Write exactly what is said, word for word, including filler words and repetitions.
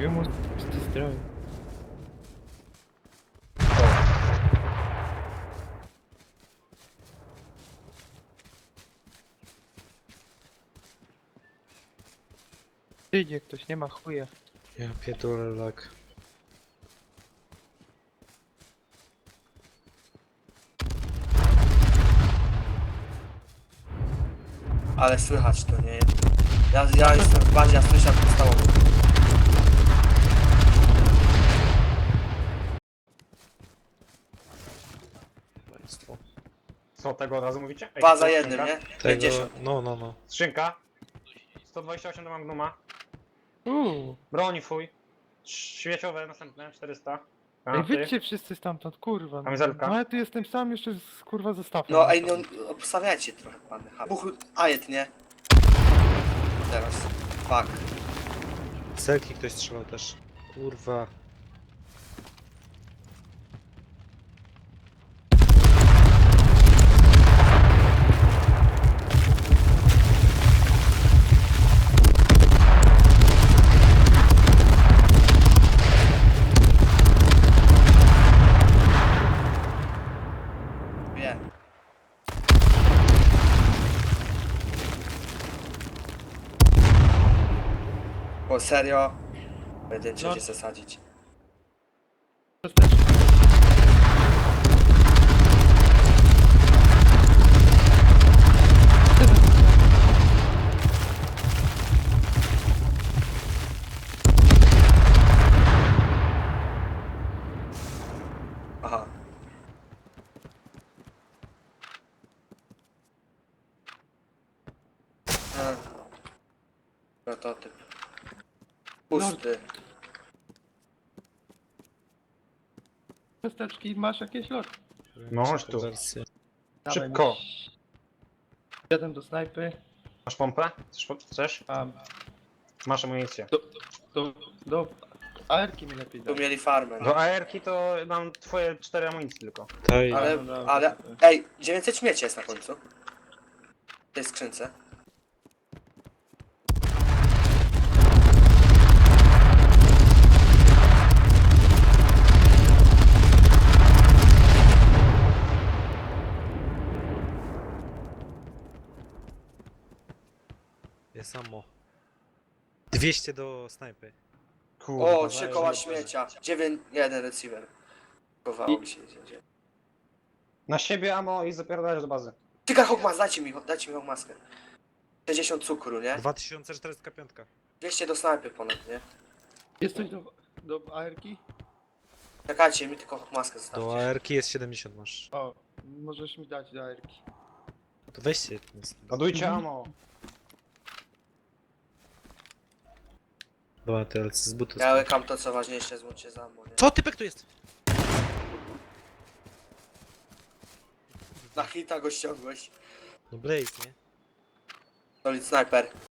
Йому стріляють. Idzie ktoś, nie ma chuja. Ja pierdolę lak. Ale słychać to, nie? Ja, ja jestem w bazie, ja słyszę podstawowo. Państwo. Co, tego od razu mówicie? Ej, Dwa za to jednym, skrzynka? nie? Tego, pięćdziesiąt. no, no, no. Skrzynka. sto dwadzieścia osiem do Magnuma. Uuu. Broń fuj. Świeciowe następne, czterysta. Ej, Granaty. wyjdźcie wszyscy stamtąd, kurwa. Kamizelka. No ja tu jestem sam jeszcze z kurwa zestawem. No ej, no obstawiajcie trochę pan. Buch, ajet, nie? Teraz. Fuck. Celki ktoś strzelał też. Kurwa. Wie. Bo serio? Pojedynczy No. gdzie zasadzić. Aha. A. Prototyp. Pusty. Ciasteczki, masz jakieś lot? No, chodź tu. Wersję. Szybko. Jeden do snajpy, Masz pompę? Chcesz? po- Chcesz? a Masz amunicję. do, do A R-ki mi lepiej Tu dać. mieli farmę. No. Do A R-ki to mam twoje cztery amunicje tylko. Taj. Ale, no dobra, ale, dobra. ej, dziewięćset śmieci jest na końcu. W tej skrzynce. Jest samo. dwieście do snajpy. Kurwa. O, trzy koła śmiecia. dziewięć, jeden receiver. Chowało mi się. gdzie- Na siebie ammo i zapierdalasz do bazy. Tyka Hogmas, dajcie mi, dajcie mi Hogmaskę. sześćdziesiąt cukru, nie? dwa tysiące czterysta pięć. dwieście do snajpy ponad, nie? Jest coś do, do A R-ki? Czekajcie, mi tylko Hogmaskę Do zostawcie. A R ki jest siedemdziesiąt masz. O, możesz mi dać do A R-ki. To weźcie. Ładujcie Mhm. ammo. Była T L C z butu. Ja łykam to co ważniejsze, złączcie za mną, nie? Co typek tu jest? Na hita go ściągłeś. No Blaze, nie? Solid sniper.